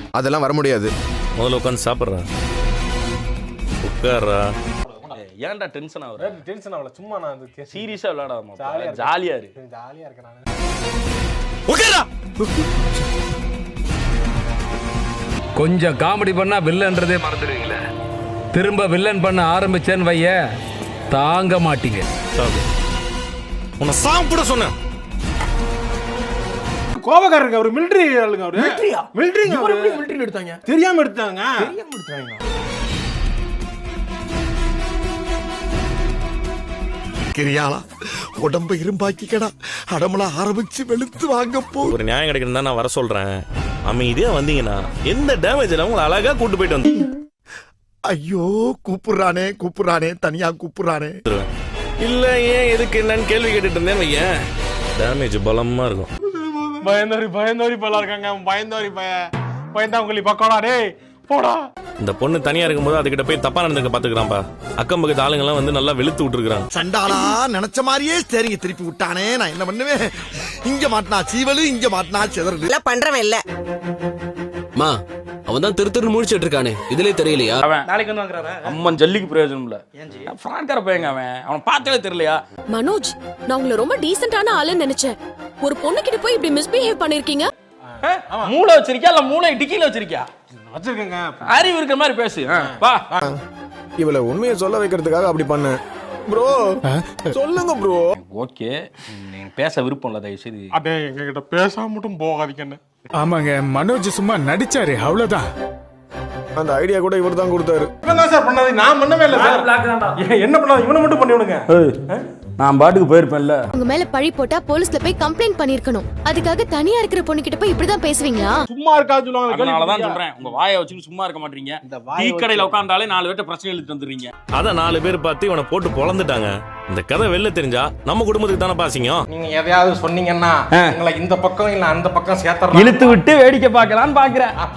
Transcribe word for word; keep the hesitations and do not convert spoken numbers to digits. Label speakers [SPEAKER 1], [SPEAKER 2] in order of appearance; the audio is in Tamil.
[SPEAKER 1] அதெல்லாம் வர முடியாது.
[SPEAKER 2] முதல்ல உட்காந்து சாப்பிட்றா, உட்கார்றா. ஏன்டா டென்ஷன் ஆகுற?
[SPEAKER 3] டென்ஷன் ஆகல, சும்மா நான்
[SPEAKER 2] சீரியஸா விளையாடாம
[SPEAKER 3] ஜாலியா
[SPEAKER 2] ஜாலியா இரு.
[SPEAKER 3] ஜாலியா இருக்கேன் நான்.
[SPEAKER 2] உட்கார்றா.
[SPEAKER 4] கொஞ்சம் காமெடி பண்ணா வில்லன்றதே மறந்துடுவீங்களே. திரும்ப வில்லன் பண்ண ஆரம்பிச்சேன்னு வைய தாங்க மாட்டீங்க.
[SPEAKER 2] சாப்பிடு. உன்னை சாப்பிட சொன்னேன்.
[SPEAKER 3] கோபக்காரர் இருக்கு அவரு, மிலிட்டரி ஆளுங்க அவரு.
[SPEAKER 5] மிலிட்டரியா?
[SPEAKER 3] மிலிட்டரிங்க அவரு.
[SPEAKER 5] எப்படி மிலிட்டரில எடுத்தாங்க?
[SPEAKER 3] தெரியாம எடுத்தாங்க.
[SPEAKER 5] தெரியாம எடுத்தாங்க.
[SPEAKER 1] கிரியாளா உடம்ப இரும்பாக்கிக்கடா, அடமலா ஆரம்பிச்சு வெளுத்து வாங்க போ.
[SPEAKER 2] ஒரு நியாயம் கிடைக்கணும் தான் நான் வர சொல்றேன். அமைதியா வந்தீங்கன்னா எந்த டேமேஜ் இல்லை, உங்களை அழகா கூட்டு போயிட்டு வந்து.
[SPEAKER 1] ஐயோ கூப்பிடுறானே கூப்பிடுறானே தனியா கூப்பிடுறானே.
[SPEAKER 2] இல்ல ஏன் எதுக்கு என்னன்னு கேள்வி கேட்டுட்டு இருந்தேன் வையன், டேமேஜ் பலமா இருக்கும்.
[SPEAKER 3] பயந்தோரி பயந்தோரி பல இருக்காங்க. பயந்தோரி பய பயந்தாங்குழி பக்கோடா டேய் போடா.
[SPEAKER 2] இந்த பொண்ணு தனியா இருக்கும்போது அதுகிட்ட போய் தப்பா நடந்துக்க பாத்துக்கிறான்பா. அக்கம் பக்கத்து ஆளுங்க எல்லாம் வந்து நல்லா வெளுத்து விட்டுருக்காங்க.
[SPEAKER 1] சண்டாளா நினைச்ச மாதிரியே சரிங்க திருப்பி விட்டானே, நான் என்ன பண்ணுவேன்? இங்க மாட்டினா சீவலு, இங்க மாட்டினா செதறலு.
[SPEAKER 6] இல்ல பண்றவன் இல்ல.
[SPEAKER 7] மா அவன் தான் திரு திரு முடிச்சிட்டு இருக்கானே, இதுலயே தெரியலையா?
[SPEAKER 2] அவன்
[SPEAKER 5] நாளைக்கு வந்து வாங்குறாரா?
[SPEAKER 2] அம்மன் ஜல்லிக்கு பிரயோஜனம் இல்ல. ஃப்ராட்கார பையங்க அவன். அவனை பார்த்தாலே தெரியலையா?
[SPEAKER 8] மனோஜ், நான் உங்களை ரொம்ப டீசென்டான ஆளுன்னு நினைச்சேன். ஒரு பொண்ணு கிட்ட போய் இப்படி மிஸ்பிஹேவ் பண்ணிருக்கீங்க.
[SPEAKER 2] மூளை வச்சிருக்கியா இல்ல மூளை டிக்கில வச்சிருக்கியா?
[SPEAKER 3] வச்சிருக்கேங்க.
[SPEAKER 2] அறிவு இருக்கிற மாதிரி பேசு. வா.
[SPEAKER 9] இவளை உண்மையை சொல்ல வைக்கிறதுக்காக அப்படி பண்ண ப்ரோ. சொல்லுங்க ப்ரோ.
[SPEAKER 2] ஓகே, நீ பேச விருப்பம் இல்ல, தயவு செய்து.
[SPEAKER 3] அடே எங்க கிட்ட பேசாம மட்டும் போகாதீங்கன்னு.
[SPEAKER 9] ஆமாங்க, மனோஜ் சும்மா நடிச்சாரு, அவ்வளவுதான். அந்த ஐடியா கூட இவர் தான் கொடுத்தாரு.
[SPEAKER 3] இவன் சார் பண்ணாது, நான் பண்ணவே இல்லை சார். என்ன பண்ணாது, இவனை மட்டும் பண்ணி விடுங்க.
[SPEAKER 2] நான் பாட்டுக்கு போயிருப்பேன்ல.
[SPEAKER 8] உங்க மேல பழி போட்டா போலீஸ்ல போய் கம்ப்ளைண்ட் பண்ணிருக்கணும். அதுக்காக தனியா இருக்கிற பொண்ணு கிட்ட போய் இப்படிதான் பேசுவீங்களா?
[SPEAKER 3] சும்மா இருக்காது சொல்லுவாங்க.
[SPEAKER 2] அதனாலதான் சொல்றேன், உங்க வாயை வச்சுட்டு சும்மா இருக்க மாட்டீங்க. டீ கடையில உட்கார்ந்தாலே நாலு பேர்ட்ட பிரச்சனை எழுதிட்டு வந்துடுறீங்க. அதான் நாலு பேர் பார்த்து இவனை போட்டு பொளந்துட்டாங்க. இந்த கதை வெளில தெரிஞ்சா நம்ம குடும்பத்துக்கு தானே பாசிங்க.
[SPEAKER 5] நீங்க எதையாவது சொன்னீங்கன்னா உங்களை இந்த பக்கம் இல்ல அந்த பக்கம் சேர்த்தறேன்.
[SPEAKER 2] இழுத்து விட்டு வேடிக்கை பார்க்கலான்னு பாக்குறேன்.